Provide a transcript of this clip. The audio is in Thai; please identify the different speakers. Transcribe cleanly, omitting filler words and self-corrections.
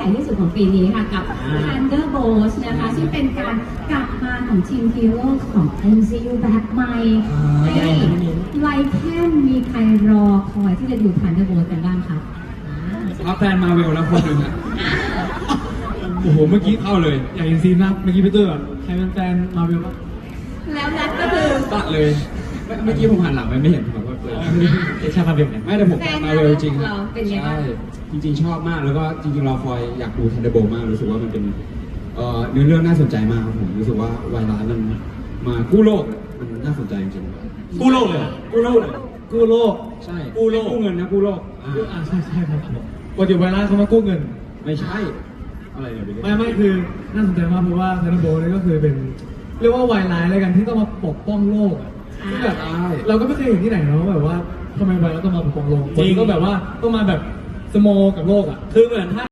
Speaker 1: ญ่ที่สุดของปีนี้ค่ะกับ Thunderbolts นะคะซึ่งเป็นการกลับมาของทีมฮีโร่ของ MCU แบบใหม่ไลแคนมีใครรอคอยที่จะดู Thunderbolts กันบ้างคะ
Speaker 2: แฟนมาเวลแล้วคนหนึ่งอะโอ้โหเมื่อกี้เข้าเลย
Speaker 3: อยากเห็นซีนมากเมื่อกี้พี่เตอร์แบบใครเป็นแฟนมาเวลบ้าง
Speaker 1: แล้วนัดก็คือ
Speaker 2: ตัดเลยเมื่อกี้ผมหันหลังไปไม่เห็นผมว่า
Speaker 3: ใช่มาเวลเนี่ย
Speaker 2: ไม่แต่ผมมาเวลจริง
Speaker 1: เราเป็นไงบ้าง
Speaker 2: ใช่จริงๆชอบมากแล้วก็จริงๆเราคอยอยากดู Thunderbolt มากรู้สึกว่ามันเป็นเนื้อเรื่องน่าสนใจมากครับผมรู้สึกว่าไวรัสมันมากู้โลกมันน่าสนใจจริงๆ
Speaker 3: กู้โลกเลยกู้โลกเลยกู้โลก
Speaker 2: ใช่
Speaker 3: กู้โลก
Speaker 2: กู้เงินนะกู้โลก
Speaker 3: ใช่ใช่ครับปกติไวรัสเขามากู้เงิน
Speaker 2: ไม่ใช่อะไรเนี่ย
Speaker 3: ไม่คือน่าสนใจมากเพราะว่าเทนโบนี่ก็คือเป็นเรียกว่าไวรัสอะไรกันที่ต้องมาปกป้องโลกอ่ะที่แบบเราก็ไม่เคยเห็นที่ไหนเนาะแบบว่าทำไมไวรัสต้องมาปกป้องโลกจริงก็แบบว่าต้องมาแบบสโมกับโลกอ่ะคือเหมือนถ้า